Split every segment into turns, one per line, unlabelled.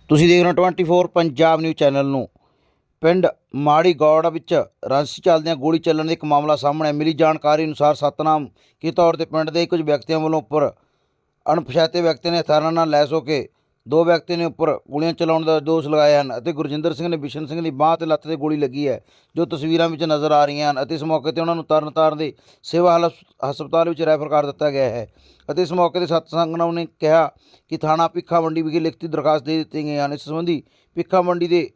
ਤੁਸੀਂ ਦੇਖ ਰਹੇ ਹੋ 24 ਪੰਜਾਬ ਨਿਊਜ਼ ਚੈਨਲ ਨੂੰ। ਪਿੰਡ ਮਾੜੀ ਗੌੜ ਵਿੱਚ ਰੰਸ ਚੱਲਦਿਆਂ ਗੋਲੀ ਚੱਲਣ ਦਾ ਇੱਕ ਮਾਮਲਾ ਸਾਹਮਣੇ ਮਿਲੀ ਜਾਣਕਾਰੀ ਅਨੁਸਾਰ ਸਤਨਾਮ ਕੀ ਤੌਰ ਤੇ ਪਿੰਡ ਦੇ ਕੁਝ ਵਿਅਕਤੀਆਂ ਵੱਲੋਂ ਉੱਪਰ ਅਣਪਛਾਤੇ ਵਿਅਕਤੀ ਨੇ ਹਥਿਆਰਾਂ ਨਾਲ ਲੈਸ ਹੋ ਕੇ ਦੋ ਵਿਅਕਤੀ ਨੇ ਉੱਪਰ ਗੋਲੀਆਂ ਚਲਾਉਣ ਦਾ ਦੋਸ਼ ਲਗਾਏ ਹਨ ਅਤੇ ਗੁਰਜਿੰਦਰ ਸਿੰਘ ਨੇ ਬਿਸ਼ਨ ਸਿੰਘ ਦੀ ਬਾਂਹ ਤੇ ਲੱਤ ਤੇ ਗੋਲੀ ਲੱਗੀ ਹੈ ਜੋ ਤਸਵੀਰਾਂ ਵਿੱਚ ਨਜ਼ਰ ਆ ਰਹੀਆਂ ਹਨ ਅਤੇ ਇਸ ਮੌਕੇ ਤੇ ਉਹਨਾਂ ਨੂੰ ਤਰਨਤਾਰਨ ਦੇ ਸੇਵਾ ਹਸਪਤਾਲ ਵਿੱਚ ਰੈਫਰ ਕਰ ਦਿੱਤਾ ਗਿਆ ਹੈ ਅਤੇ ਇਸ ਮੌਕੇ ਤੇ ਸਤਸੰਗ ਨੇ ਕਿਹਾ ਕਿ ਥਾਣਾ ਭਿੱਖਾ ਮੰਡੀ ਵਿਖੇ ਲਿਖਤੀ ਦਰਖਾਸਤ ਦੇ ਦਿੱਤੀ ਗਈ ਹਨ। ਇਸ ਸੰਬੰਧੀ ਭਿੱਖਾ ਮੰਡੀ ਦੇ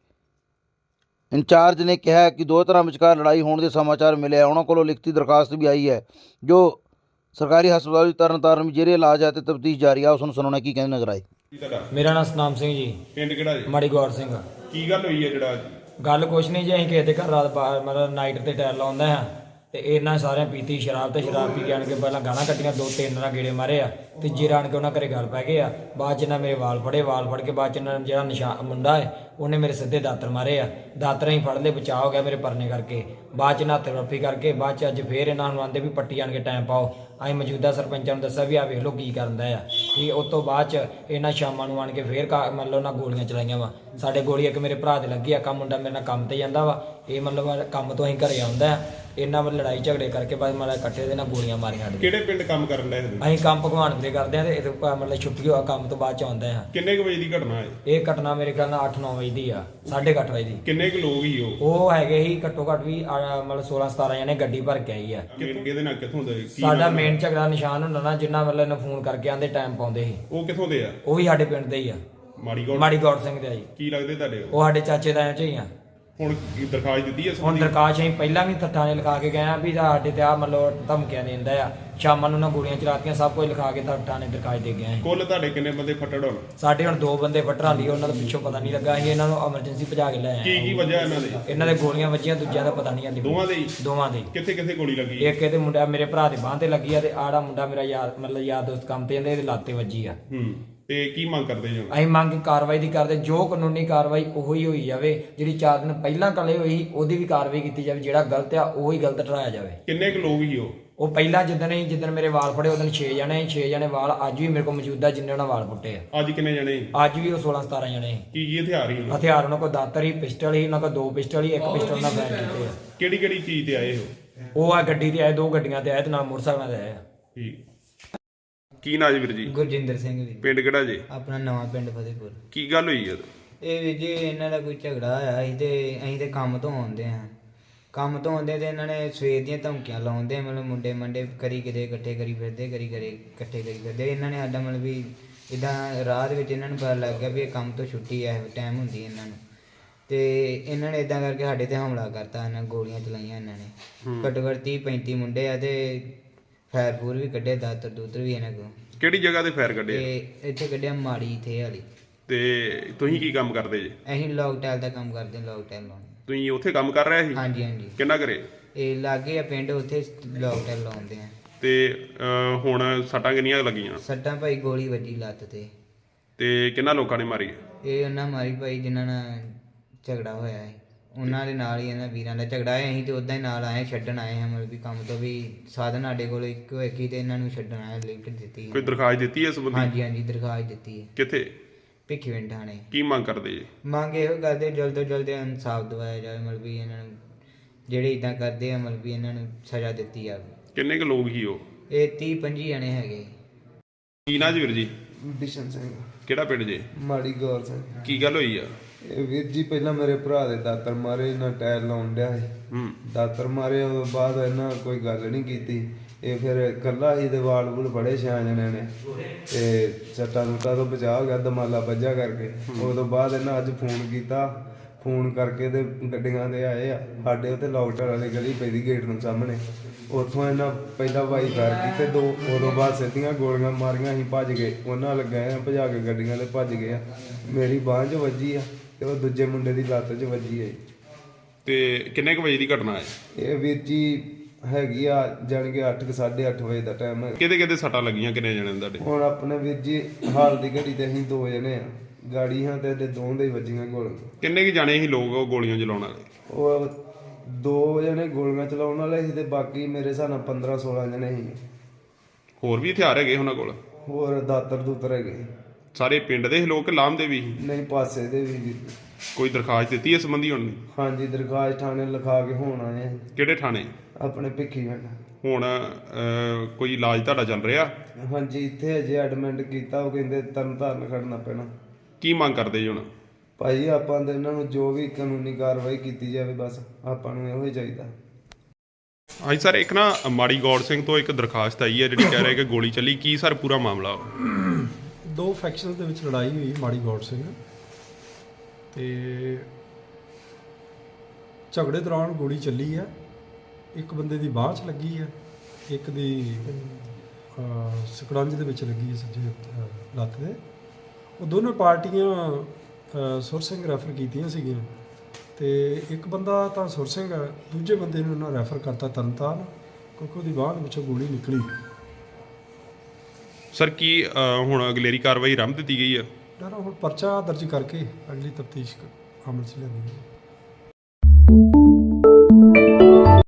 ਇੰਚਾਰਜ ਨੇ ਕਿਹਾ ਕਿ ਦੋ ਧਿਰਾਂ ਵਿਚਕਾਰ ਲੜਾਈ ਹੋਣ ਦੇ ਸਮਾਚਾਰ ਮਿਲੇ ਹੈ। ਉਹਨਾਂ ਕੋਲੋਂ ਲਿਖਤੀ ਦਰਖਾਸਤ ਵੀ ਆਈ ਹੈ ਜੋ ਸਰਕਾਰੀ ਹਸਪਤਾਲ ਵਿੱਚ ਤਰਨਤਾਰਨ ਵਿੱਚ ਜਿਹੜੇ ਇਲਾਜ ਹੈ ਤੇ ਤਫਤੀਸ਼ ਜਾਰੀ ਆ। ਉਸ ਨੂੰ ਸੁਣਾਉਣਾ ਕੀ ਕਹਿੰਦੇ ਨਜ਼ਰ ਆਏ।
ਮੇਰਾ ਨਾਮ ਸਤਨਾਮ ਸਿੰਘ ਜੀ।
ਪਿੰਡ ਕਿਹੜਾ ਜੀ?
ਮਾੜੀ ਗੌਰ ਸਿੰਘ।
ਕੀ ਗੱਲ ਹੋਈ ਹੈ ਜਿਹੜਾ
ਗੱਲ ਕੁਛ ਨਹੀਂ ਜੀ, ਅਸੀਂ ਕਿਸੇ ਦੇ ਘਰ ਰਾਤ ਮਤਲਬ ਨਾਈਟ ਤੇ ਟਾਇਰ ਲਾਉਂਦੇ ਹਾਂ ਤੇ ਇਹਨਾਂ ਸਾਰਿਆਂ ਪੀਤੀ ਸ਼ਰਾਬ ਤੇ ਸ਼ਰਾਬ ਪੀ ਕੇ ਆਣ ਕੇ ਪਹਿਲਾਂ ਗਾਲਾਂ ਕੱਢੀਆਂ, ਦੋ ਤਿੰਨ ਨਾਲ ਗੇੜੇ ਮਾਰੇ ਆ। ਤੀਜੇ ਰਾਣ ਕੇ ਉਹਨਾਂ ਘਰੇ ਗੱਲ ਪੈ ਗਏ ਆ। ਬਾਅਦ ਚ ਇਹਨਾਂ ਮੇਰੇ ਵਾਲ ਫੜ ਕੇ ਬਾਅਦ ਚ ਇਹਨਾਂ ਜਿਹੜਾ ਮੁੰਡਾ ਹੈ ਉਹਨੇ ਮੇਰੇ ਸਿੱਧੇ ਦਾਤਰ ਮਾਰੇ ਆ। ਦਾਤਰ ਹੀ ਫੜ ਲਏ, ਬਚਾਅ ਹੋ ਗਿਆ ਮੇਰੇ ਪਰਨੇ ਕਰਕੇ। ਬਾਅਦ ਚ ਨਾਤੇ ਰੱਫੀ ਕਰਕੇ ਬਾਅਦ ਚ ਅੱਜ ਫੇਰ ਇਹਨਾਂ ਨੂੰ ਆਂਦੇ ਵੀ ਪੱਟੀ ਆਣ ਕੇ ਟਾਈਮ ਪਾਓ। ਅਸੀਂ ਮੌਜੂਦਾ ਸਰਪੰਚਾਂ ਨੂੰ ਦੱਸਿਆ ਵੀ ਆ ਵੇਖ ਲਓ ਕੀ ਕਰਦਾ ਆ। ਠੀਕ, ਉਸ ਤੋਂ ਬਾਅਦ ਚ ਇਹਨਾਂ ਸ਼ਾਮਾਂ ਨੂੰ ਆਣ ਕੇ ਫੇਰ ਮਤਲਬ ਉਹਨਾਂ ਗੋਲੀਆਂ ਚਲਾਈਆਂ ਵਾ। ਸਾਡੇ ਗੋਲੀ ਇੱਕ ਮੇਰੇ ਭਰਾ ਦੇ ਲੱਗੀ ਆ। ਕੰਮ ਮੁੰਡਾ ਮੇਰੇ ਨਾਲ ਕੰਮ ਤੇ ਜਾਂਦਾ ਵਾ, ਇਹ ਮਤਲਬ ਕੰਮ ਤੋਂ ਅਸੀਂ ਘਰੇ ਆਉਂਦਾ। ਇਹਨਾਂ ਵੱਲ ਲੜਾਈ ਝਗੜੇ ਕਰਕੇ ਬਾਅਦ ਮਤਲਬ ਇਕੱਠੇ ਦੇ ਨਾਲ ਗੋਲੀਆਂ ਮਾਰੀਆਂ।
ਕਿਹੜੇ ਪਿੰਡ ਕੰਮ ਕਰਨ ਡਏ ਸੀ?
ਅਸੀਂ ਕੰਮ ਭਗਵਾਨ ਦੇ ਕਰਦੇ ਆ ਤੇ ਇਹ ਮਤਲਬ ਛੁੱਟੀ ਹੋਆ ਕੰਮ ਤੋਂ ਬਾਅਦ ਚ ਆਉਂਦੇ ਆ।
ਕਿੰਨੇ ਕੁ ਵਜੇ ਦੀ ਘਟਨਾ ਹੈ
ਇਹ ਘਟਨਾ ਮੇਰੇ ਖਿਆਲ ਨਾਲ 8-9 ਵਜੇ ਦੀ ਆ, 8:30 ਵਜੇ ਦੀ।
ਕਿੰਨੇ ਕੁ ਲੋਕ ਹੀ
ਉਹ ਹੈਗੇ ਸੀ ਘੱਟੋ ਘੱਟ ਵੀ ਮਤਲਬ 16-17 ਜਣੇ ਗੱਡੀ ਭਰ ਕੇ ਆਈ ਆ।
ਕਿਹਦੇ ਨਾਲ ਕਿੱਥੋਂ ਦੇ?
ਸਾਡਾ ਮੇਨ ਝਗੜਾ ਨਿਸ਼ਾਨ ਹੁੰਦਾ ਨਾ, ਜਿੰਨਾ ਮਤਲਬ ਇਹਨੂੰ ਫੋਨ ਕਰਕੇ ਆਂਦੇ ਟਾਈਮ ਪਾਉਂਦੇ ਸੀ।
ਉਹ ਕਿੱਥੋਂ ਦੇ ਆ?
ਉਹ ਵੀ ਸਾਡੇ ਪਿੰਡ ਦੇ ਹੀ ਆ, ਮਾੜੀ ਗੌੜ ਸਿੰਘ ਦੇ ਆ ਜੀ।
ਕੀ ਲੱਗਦੇ ਤੁਹਾਡੇ?
ਉਹ ਸਾਡੇ ਚਾਚੇ ਤਾਇਆਂ ਚ ਹੀ ਆ।
ਹੁਣ ਕੀ ਦਰਖਾਸਤ ਦਿੱਤੀ ਹੈ?
ਹੁਣ ਦਰਖਾਸਤ ਅਸੀਂ ਪਹਿਲਾਂ ਵੀ ਥਾਣੇ ਲਿਖਾ ਕੇ ਗਏ ਆ ਵੀ ਸਾਡੇ ਤੇ ਆ ਮਤਲਬ ਧਮਕੀਆਂ ਦਿੰਦਾ ਆ। ਸ਼ਾਮਾਂ ਨੂੰ ਨਾ ਗੋਲੀਆਂ ਚਲਾਤੀਆਂ, ਸਭ ਕੁਝ ਲਿਖਾ ਕੇ ਥਾਣੇ ਦਰਖਾਸਤ ਦੇ ਗਏ ਆ।
ਕੁੱਲ ਤੁਹਾਡੇ ਕਿੰਨੇ ਬੰਦੇ ਫੱਟੜ ਹੋਣ?
ਸਾਡੇ ਹੁਣ 2 ਬੰਦੇ ਫੱਟਰਾਂ ਲਈ, ਉਹਨਾਂ ਦਾ ਪਿੱਛੋਂ ਪਤਾ ਨਹੀਂ ਲੱਗਾ। ਅਸੀਂ ਇਹਨਾਂ ਨੂੰ ਐਮਰਜੈਂਸੀ ਭਜਾ ਕੇ ਲੈ ਆਏ।
ਕੀ ਵਜ੍ਹਾ ਇਹਨਾਂ ਦੀ?
ਇਹਨਾਂ ਦੇ ਗੋਲੀਆਂ ਵੱਜੀਆਂ, ਦੂਜਿਆਂ ਦਾ ਪਤਾ ਨਹੀਂ ਆਂਦੀ। ਦੋਵਾਂ ਦੇ
ਕਿੱਥੇ ਕਿੱਥੇ ਗੋਲੀ ਲੱਗੀ?
ਇੱਕ ਇਹਦੇ ਮੁੰਡਾ ਮੇਰੇ ਭਰਾ ਦੇ ਬਾਂਹ ਤੇ ਲੱਗੀ ਆ ਤੇ ਆੜਾ ਮੁੰਡਾ ਮੇਰਾ ਯਾਰ ਮਤਲਬ ਯਾਰ ਦੋਸਤ ਕੰਮ ਤੇ ਜਾਂਦੇ, ਇਹਦੇ ਲੱਤ ਤੇ ਵੱਜੀ ਆ।
ਤੇ ਕੀ ਮੰਗ ਕਰਦੇ ਜੀ?
ਅਸੀਂ ਮੰਗ ਕਾਰਵਾਈ ਦੀ ਕਰਦੇ, ਜੋ ਕਾਨੂੰਨੀ ਕਾਰਵਾਈ ਉਹੀ ਹੋਈ ਜਾਵੇ। ਜਿਹੜੀ 4 ਦਿਨ ਪਹਿਲਾਂ ਕਲੇ ਹੋਈ ਉਹਦੀ ਵੀ ਕਾਰਵਾਈ ਕੀਤੀ ਜਾਵੇ। ਜਿਹੜਾ ਗਲਤ ਆ ਉਹੀ ਗਲਤ ਠਹਿਰਾਇਆ ਜਾਵੇ।
ਕਿੰਨੇ ਕੁ ਲੋਕ ਹੀ
ਉਹ ਪਹਿਲਾਂ ਜਿੱਦਣ ਮੇਰੇ ਵਾਲ ਫੜੇ ਉਦੋਂ 6 ਜਣੇ ਵਾਲ ਅੱਜ ਵੀ ਮੇਰੇ ਕੋਲ ਮੌਜੂਦਾ, ਜਿੰਨੇ ਉਹਨਾਂ ਵਾਲ ਪੁੱਟੇ ਆ।
ਅੱਜ ਕਿੰਨੇ ਜਣੇ?
ਅੱਜ ਵੀ ਉਹ 16-17 ਜਣੇ।
ਕੀ ਹਥਿਆਰ ਹੀ?
ਹਥਿਆਰ ਉਹਨਾਂ ਕੋਲ ਦਾਤਰ ਹੀ, ਪਿਸਟਲ ਹੀ, ਉਹਨਾਂ ਕੋਲ 2 ਪਿਸਟਲ ਹੀ, 1 ਪਿਸਟਲ ਨਾਲ ਫਾਇਰ ਕੀਤੇ ਆ।
ਕਿਹੜੀ ਕਿਹੜੀ ਚੀਜ਼ ਤੇ ਆਏ ਹੋ?
ਉਹ ਆ ਗੱਡੀ ਤੇ ਆਏ, 2 ਗੱਡੀਆਂ ਤੇ ਆਏ ਤੇ ਨਾਲ ਮੋਟਰਸਾਈਕਲਾਂ ਤੇ ਆਏ ਆ।
ਠੀਕ। ਕੀ ਨਾਂ ਜੀ ਵੀਰ ਜੀ?
ਗੁਰਜਿੰਦਰ ਸਿੰਘ ਜੀ।
ਪਿੰਡ ਕਿਹੜਾ ਜੀ?
ਆਪਣਾ ਨਵਾਂ ਪਿੰਡ ਫਤਿਹਪੁਰ।
ਕੀ ਗੱਲ ਹੋਈ ਹੈ?
ਇਹ ਵੀ ਜੀ ਇਹਨਾਂ ਦਾ ਕੋਈ ਝਗੜਾ ਹੋਇਆ ਸੀ ਤੇ ਅਸੀਂ ਤੇ ਕੰਮ ਤੋਂ ਆਉਂਦੇ ਹਾਂ। ਕੰਮ ਤੋਂ ਆਉਂਦੇ ਤੇ ਇਹਨਾਂ ਨੇ ਸਵੇਰ ਦੀਆਂ ਧਮਕੀਆਂ ਲਾਉਂਦੇ, ਮਤਲਬ ਮੁੰਡੇ ਕਰੀ ਕਿਤੇ ਇਕੱਠੇ ਕਰੀ ਫਿਰਦੇ, ਇਕੱਠੇ ਕਰੀ ਫਿਰਦੇ। ਇਹਨਾਂ ਨੇ ਸਾਡਾ ਮਤਲਬ ਵੀ ਇੱਦਾਂ ਰਾਹ ਦੇ ਵਿੱਚ ਇਹਨਾਂ ਨੂੰ ਪਤਾ ਲੱਗ ਗਿਆ ਵੀ ਇਹ ਕੰਮ ਤੋਂ ਛੁੱਟੀ ਹੈ, ਟਾਈਮ ਹੁੰਦੀ ਇਹਨਾਂ ਨੂੰ। ਤੇ ਇਹਨਾਂ ਨੇ ਇੱਦਾਂ ਕਰਕੇ ਸਾਡੇ ਤੇ ਹਮਲਾ ਕਰਤਾ। ਇਹਨਾਂ ਗੋਲੀਆਂ ਚਲਾਈਆਂ ਇਹਨਾਂ ਨੇ। ਘੱਟੋ ਘੱਟ 30-35 ਮੁੰਡੇ ਆ ਤੇ ਫਾਇਰ ਫੂਰ ਵੀ ਕੱਢੇ, ਦਾਤਰ ਦੂਤਰ ਵੀ ਇਹਨਾਂ ਕੋਲ।
ਕਿਹੜੀ ਜਗ੍ਹਾ ਤੇ ਫਾਇਰ ਕੱਢੇ?
ਤੇ ਇੱਥੇ ਕੱਢਿਆ ਮਾੜੀ ਇੱਥੇ ਵਾਲੀ।
ਤੇ ਤੁਸੀਂ ਕੀ ਕੰਮ ਕਰਦੇ ਜੀ?
ਅਸੀਂ ਲੌਕ ਟਾਈਲ ਦਾ ਕੰਮ ਕਰਦੇ ਹਾਂ, ਲੌਕ ਟਾਈਲ ਲਾਉਣੇ।
ਤੁਸੀਂ ਉੱਥੇ ਕੰਮ ਕਰ ਰਹੇ ਸੀ?
ਹਾਂਜੀ ਹਾਂਜੀ।
ਕਿੰਨਾ ਕਰੇ?
ਇਹ ਲਾਗੇ ਆ ਪਿੰਡ, ਉੱਥੇ ਲੌਕ ਟਾਈਲ ਲਾਉਂਦੇ ਆ।
ਤੇ ਹੁਣ ਸੱਟਾਂ ਕਿੰਨੀਆਂ ਲੱਗੀਆਂ?
ਸੱਟਾਂ ਭਾਈ ਗੋਲੀ ਵੱਜੀ ਲੱਤ
ਤੇ ਕਿੰਨਾ ਲੋਕਾਂ ਨੇ ਮਾਰੀ?
ਇਹ ਉਹਨਾਂ ਮਾਰੀ ਭਾਈ ਜਿਨ੍ਹਾਂ ਨਾਲ ਝਗੜਾ ਹੋਇਆ ਹੈ, ਉਹਨਾਂ ਦੇ ਨਾਲ ਹੀ ਇਹਨਾਂ ਵੀਰਾਂ ਦਾ ਝਗੜਾ ਹੈ। ਅਸੀਂ ਤੇ ਉਦਾਂ ਹੀ ਨਾਲ ਆਏ, ਛੱਡਣ ਆਏ ਹਾਂ। ਮਤਲਬ ਵੀ ਕੰਮ ਤੋਂ ਵੀ ਸਾਧਨ ਸਾਡੇ ਕੋਲ ਇੱਕੋ ਇੱਕ ਹੀ ਤੇ ਇਹਨਾਂ ਨੂੰ ਛੱਡਣ ਆਏ। ਲਿਫਟ ਦਿੱਤੀ।
ਕੋਈ ਦਰਖਾਸਤ ਦਿੱਤੀ ਹੈ ਸੰਬੰਧੀ?
ਹਾਂਜੀ ਹਾਂਜੀ, ਦਰਖਾਸਤ ਦਿੱਤੀ ਹੈ।
ਕਿੱਥੇ?
ਭਿੱਖੀਵਿੰਡ ਥਾਣੇ।
ਕੀ ਮੰਗ ਕਰਦੇ ਜੀ?
ਮੰਗ ਇਹੋ ਕਰਦੇ ਜਲਦ ਤੋਂ ਜਲਦ ਇਨਸਾਫ ਦਿਵਾਇਆ ਜਾਵੇ। ਮਤਲਬ ਵੀ ਇਹਨਾਂ ਨੂੰ ਜਿਹੜੇ ਇੱਦਾਂ ਕਰਦੇ ਆ, ਮਤਲਬ ਵੀ ਇਹਨਾਂ ਨੂੰ ਸਜ਼ਾ ਦਿੱਤੀ ਜਾਵੇ।
ਕਿੰਨੇ ਕੁ ਲੋਕ ਹੀ
ਇਹ 30-25 ਜਣੇ ਹੈਗੇ।
ਕੀ ਨਾਂ ਜੀ ਵੀਰ ਜੀ?
ਬਿਸ਼ਨ ਸਿੰਘ।
ਕਿਹੜਾ ਪਿੰਡ ਜੀ?
ਮਾੜੀ ਗੌਰ ਸਿੰਘ।
ਕੀ ਗੱਲ ਹੋਈ ਆ?
ਇਹ ਵੀਰ ਜੀ ਪਹਿਲਾਂ ਮੇਰੇ ਭਰਾ ਦੇ ਦਾਤਰ ਮਾਰੇ, ਇਹਨਾਂ ਟਾਇਰ ਲਾਉਣ ਡਿਆ ਸੀ। ਦਾਤਰ ਮਾਰੇ, ਉਹ ਤੋਂ ਬਾਅਦ ਇਹਨਾਂ ਕੋਈ ਗੱਲ ਨਹੀਂ ਕੀਤੀ। ਇਹ ਫਿਰ ਇਕੱਲਾ ਹੀ ਦੇ ਵਾਲ ਵੂਲ ਬੜੇ 6 ਜਣੇ ਨੇ ਤੇ ਸੱਟਾਂ ਸੁੱਟਾਂ ਤੋਂ ਬਚਾਅ ਹੋ ਗਿਆ, ਦਮਾਲਾ ਵੱਜਾ ਕਰਕੇ। ਉਹ ਤੋਂ ਬਾਅਦ ਇਹਨਾਂ ਅੱਜ ਫੋਨ ਕੀਤਾ, ਫੋਨ ਕਰਕੇ ਤੇ ਗੱਡੀਆਂ ਦੇ ਆਏ ਆ। ਸਾਡੇ ਉੱਥੇ ਲੌਕਟਰ ਵਾਲੀ ਗਲੀ ਪੈਦੀ ਗੇਟ ਨੂੰ ਸਾਹਮਣੇ, ਉੱਥੋਂ ਇਹਨਾਂ ਪਹਿਲਾਂ ਵਾਈ ਕਰ ਕੀਤੇ 2। ਉਦੋਂ ਬਾਅਦ ਸਿੱਧੀਆਂ ਗੋਲੀਆਂ ਮਾਰੀਆਂ, ਅਸੀਂ ਭੱਜ ਗਏ। ਉਹਨਾਂ ਲੱਗਾ ਆ ਭਜਾ ਕੇ ਗੱਡੀਆਂ ਤੇ ਭੱਜ ਗਏ ਆ। ਮੇਰੀ ਬਾਂਹ 'ਚ ਵੱਜੀ ਆ ਤੇ ਉਹ ਦੂਜੇ ਮੁੰਡੇ ਦੀ ਲੱਤ 'ਚ ਵੱਜੀ ਹੈ।
ਤੇ ਕਿੰਨੇ ਕੁ ਵਜੇ ਦੀ ਘਟਨਾ ਹੈ
ਇਹ ਵੀਰ ਜੀ? ਹੈਗੀ ਆ ਜਾਣ ਕੇ 8-8:30 ਵਜੇ ਦਾ ਟਾਈਮ ਹੈ।
ਕਿਹਦੇ ਸੱਟਾਂ ਲੱਗੀਆਂ? ਕਿੰਨੇ ਜਣੇ ਤੁਹਾਡੇ?
ਹੁਣ ਆਪਣੇ ਵੀਰ ਜੀ ਹਾਲ ਦੀ ਘੜੀ ਤੇ ਅਸੀਂ 2 ਜਣੇ ਆ। ਗਾੜੀ ਹਾਂ ਤੇ ਦੋਵਾਂ ਦੇ ਵੱਜੀਆਂ ਗੋਲੀਆਂ।
ਕਿੰਨੇ ਕੁ ਜਾਣੇ ਸੀ ਲੋਕ ਉਹ ਗੋਲੀਆਂ ਚਲਾਉਣ ਵਾਲੇ?
ਉਹ 2 ਜਣੇ ਗੋਲੀਆਂ ਚਲਾਉਣ ਵਾਲੇ ਸੀ ਤੇ ਬਾਕੀ ਮੇਰੇ ਹਿਸਾਬ ਨਾਲ 15-16 ਜਣੇ ਸੀ।
ਹੋਰ ਵੀ ਹਥਿਆਰ ਹੈਗੇ ਉਹਨਾਂ ਕੋਲ?
ਹੋਰ ਦਾਤਰ ਦੂਤਰ ਹੈਗੇ।
ਸਾਰੇ ਪਿੰਡ ਦੇ ਲੋਕ ਲਾਂਭਦੇ ਵੀ ਸੀ?
ਨਹੀਂ ਪਾਸੇ ਦੇ ਵੀ ਵੀਰ ਜੀ।
ਕੋਈ ਦਰਖਾਸਤ ਦਿੱਤੀ ਇਸ ਸੰਬੰਧੀ ਹੁਣ?
ਹਾਂਜੀ ਦਰਖਾਸਤ ਥਾਣੇ ਲਿਖਾ ਕੇ ਹੁਣ ਆਏ ਆ
ਕਿਹੜੇ ਥਾਣੇ?
ਆਪਣੇ ਭਿੱਖੀ ਪਿੰਡ।
ਹੁਣ ਕੋਈ ਇਲਾਜ ਤੁਹਾਡਾ ਚੱਲ ਰਿਹਾ?
ਹਾਂਜੀ ਇੱਥੇ ਅਜੇ ਐਡਮਿਟ ਕੀਤਾ, ਉਹ ਕਹਿੰਦੇ ਤਰਨਤਾਰਨ ਖੜਨਾ ਪੈਣਾ।
ਕੀ ਮੰਗ ਕਰਦੇ ਜੀ ਹੁਣ?
ਭਾਈ ਆਪਾਂ ਤਾਂ ਇਹਨਾਂ ਨੂੰ ਜੋ ਵੀ ਕਾਨੂੰਨੀ ਕਾਰਵਾਈ ਕੀਤੀ ਜਾਵੇ, ਬਸ ਆਪਾਂ ਨੂੰ ਇਹੋ ਹੀ ਚਾਹੀਦਾ।
ਹਾਂਜੀ ਸਰ, ਇੱਕ ਨਾ ਮਾੜੀ ਗੌੜ ਸਿੰਘ ਤੋਂ ਇੱਕ ਦਰਖਾਸਤ ਆਈ ਹੈ ਜਿਹੜੀ ਕਹਿ ਰਿਹਾ ਕਿ ਗੋਲੀ ਚੱਲੀ, ਕੀ ਸਰ ਪੂਰਾ ਮਾਮਲਾ?
ਦੋ ਫੈਕਸ਼ਨਸ ਦੇ ਵਿੱਚ ਲੜਾਈ ਹੋਈ ਮਾੜੀ ਗੌੜ ਸਿੰਘ ਤੇ ਝਗੜੇ ਦੌਰਾਨ ਗੋਲੀ ਚੱਲੀ ਹੈ। ਇੱਕ ਬੰਦੇ ਦੀ ਬਾਂਹ 'ਚ ਲੱਗੀ ਹੈ, ਇੱਕ ਦੀ ਸਕੜੰਜ ਦੇ ਵਿੱਚ ਲੱਗੀ ਹੈ ਸੱਜੇ ਲੱਤ ਦੇ। ਉਹ ਦੋਨੋਂ ਪਾਰਟੀਆਂ ਸੁਰ ਸਿੰਘ ਰੈਫਰ ਕੀਤੀਆਂ ਸੀਗੀਆਂ ਤੇ ਇੱਕ ਬੰਦਾ ਤਾਂ ਸੁਰ ਸਿੰਘ ਹੈ, ਦੂਜੇ ਬੰਦੇ ਨੂੰ ਉਹਨਾਂ ਰੈਫਰ ਕਰਤਾ ਤਰਨਤਾਰਨ ਕਿਉਂਕਿ ਉਹਦੀ ਬਾਂਹ ਦੇ ਵਿੱਚੋਂ ਗੋਲੀ ਨਿਕਲੀ।
ਸਰ ਕੀ ਹੁਣ ਅਗਲੇਰੀ ਕਾਰਵਾਈ ਆਰੰਭ ਦਿੱਤੀ ਗਈ ਹੈ?
ਹੁਣ ਪਰਚਾ ਦਰਜ ਕਰਕੇ ਅਗਲੀ ਤਫਤੀਸ਼ ਅਮਲ 'ਚ ਲਿਆਂਦੀ ਹੈ।